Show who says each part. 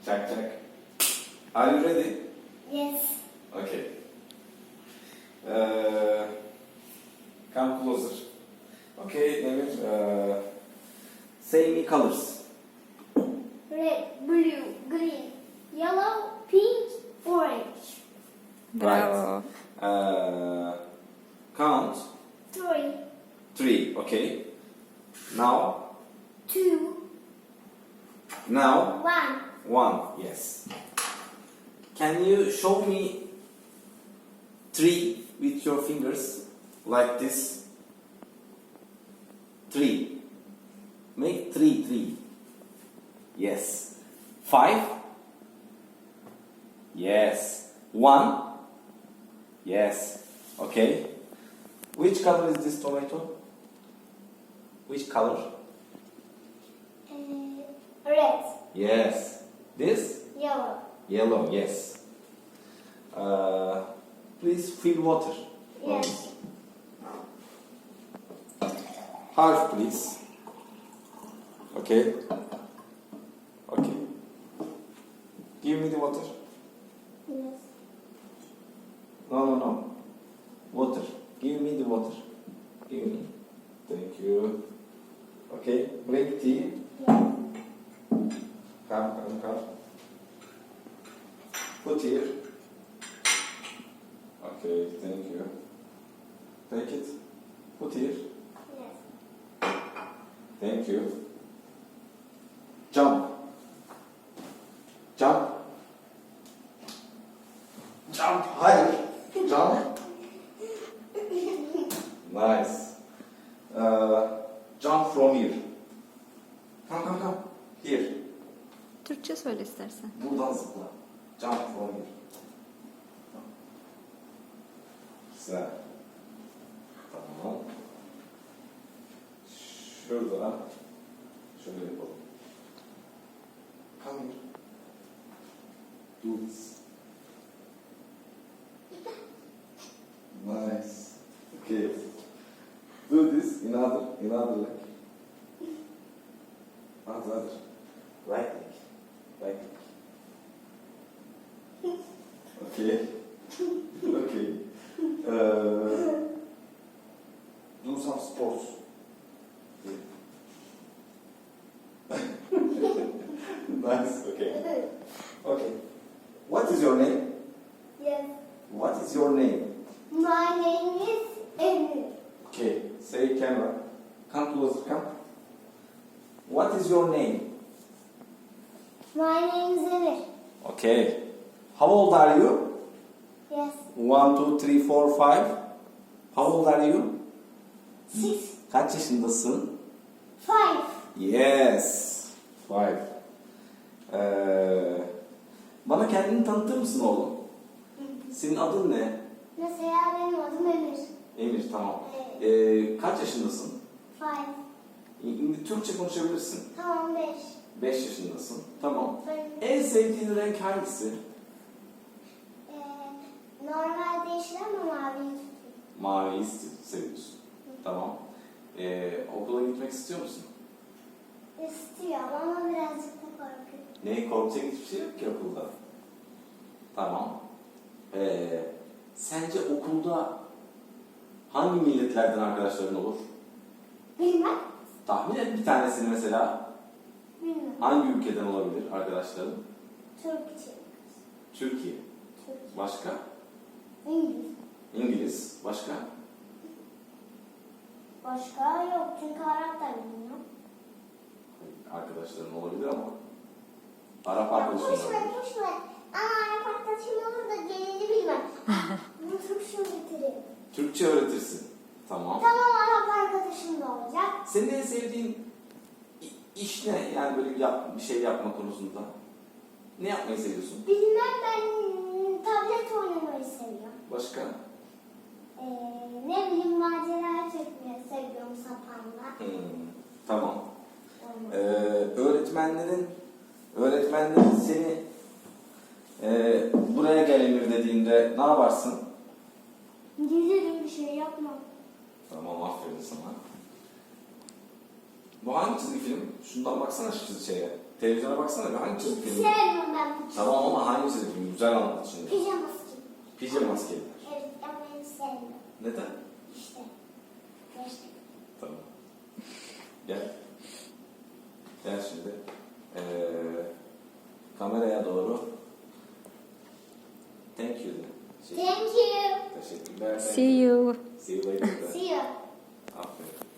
Speaker 1: Check, check. Are you ready?
Speaker 2: Yes.
Speaker 1: Okay. Come closer. Okay, Demir. Say me colors.
Speaker 2: Red, blue, green, yellow, pink, orange.
Speaker 3: Bravo.
Speaker 1: Right. Count.
Speaker 2: 3,
Speaker 1: 3. Okay. Now.
Speaker 2: 2,
Speaker 1: Now.
Speaker 2: 1.
Speaker 1: 1. Yes. Can you show me 3 with your fingers like this? 3. Make 3, 3. Yes. 5. Yes. 1. Yes. Okay. Which color is this tomato? Which color?
Speaker 2: Red,
Speaker 1: Yes. This?
Speaker 2: yellow.
Speaker 1: Yellow, yes. Please fill water.
Speaker 2: Yes.
Speaker 1: Half, please. Okay. Okay. Give me the water.
Speaker 2: Yes.
Speaker 1: No. Water. Give me the water. Give me. Thank you. Okay. Bring tea.
Speaker 2: Yes.
Speaker 1: Come. Put here. Okay, thank you. Take it. Put here.
Speaker 2: Yes.
Speaker 1: Thank you. Jump. Jump. Jump higher. Jump. Nice. Jump from here. Come. Here.
Speaker 3: Türkçe söyle istersen.
Speaker 1: Buradan zıpla. Jump from here. Güzel. Tamam. Şurada. Şöyle yapalım. Come here. Do this. Nice. Okay. Do this in other leg. Other. Right leg. Right leg. Okay. Okay. Do some sports. Nice. Okay. Okay. What is your name?
Speaker 2: Yes.
Speaker 1: What is your name?
Speaker 2: My name is Emir.
Speaker 1: Okay. Say camera. Come closer. Come. What is your name?
Speaker 2: My name is Emir.
Speaker 1: Okay. How old are you?
Speaker 2: Yes.
Speaker 1: 1, 2, 3, 4, 5. How old are you?
Speaker 2: 6,
Speaker 1: Kaç yaşındasın?
Speaker 2: 5.
Speaker 1: Yes. 5. Bana kendini tanıtır mısın oğlum? Senin adın ne?
Speaker 2: Mesela benim adım Emir.
Speaker 1: Emir, tamam. Kaç yaşındasın?
Speaker 2: 5.
Speaker 1: Türkçe konuşabilirsin.
Speaker 2: Tamam 5.
Speaker 1: 5 yaşındasın. Tamam.
Speaker 2: Ben
Speaker 1: En sevdiğin renk hangisi?
Speaker 2: normalde yeşil ama mavi.
Speaker 1: Maviyi seviyorsun. Tamam. Okula gitmek istiyor musun?
Speaker 2: İstiyorum ama birazcık da korkuyorum.
Speaker 1: Neyi korkacak hiçbir şey yok ki okulda. Tamam. Sence okulda hangi milletlerden arkadaşların olur?
Speaker 2: Bilmem.
Speaker 1: Tahmin et bir tanesini mesela.
Speaker 2: Bilmem.
Speaker 1: Hangi ülkeden olabilir arkadaşların?
Speaker 2: Türkçe.
Speaker 1: Türkiye.
Speaker 2: Türkçe.
Speaker 1: Başka?
Speaker 2: İngiliz.
Speaker 1: İngiliz. Başka?
Speaker 2: Başka yok çünkü Arap da bilmiyorum.
Speaker 1: Arkadaşların olabilir ama Arap
Speaker 2: Ya
Speaker 1: arkadaşın
Speaker 2: boş ver
Speaker 1: olabilir.
Speaker 2: boş ver. Ama Arap arkadaşım olur da gelini bilmem. Bunu Türkçe öğretirim.
Speaker 1: Türkçe öğretirsin. Tamam.
Speaker 2: Tamam Arap arkadaşım da olacak.
Speaker 1: Senin en sevdiğin iş ne? Yani böyle bir şey yapma konusunda. Ne yapmayı seviyorsun?
Speaker 2: Bilmem ben tablet oynamayı seviyorum.
Speaker 1: Başka?
Speaker 2: Ne bileyim macera çekmeyi seviyorum sapanla.
Speaker 1: Tamam.
Speaker 2: Olmaz.
Speaker 1: Öğretmenlerin seni buraya gel Emir dediğinde ne yaparsın?
Speaker 2: Gelirim bir şey yapmam.
Speaker 1: Tamam, aferin sana. Bu hangi çizgi film? Şundan baksana şu çizgi şeye. Televizyona baksana bir hangi çizgi film?
Speaker 2: Sevmem ben bu çizim.
Speaker 1: Tamam ama hangisi? Güzel anlat şimdi.
Speaker 2: Pijaması gibi.
Speaker 1: Pijama maskeliler.
Speaker 2: Evet ama ben sevmiyorum.
Speaker 1: Neden?
Speaker 2: İşte. Gerçekten.
Speaker 1: Tamam. Gel. Gel şimdi. Kameraya doğru. Thank you de.
Speaker 2: Thank you.
Speaker 1: Teşekkürler.
Speaker 3: See you.
Speaker 1: See you later. de.
Speaker 2: See you.
Speaker 1: Aferin.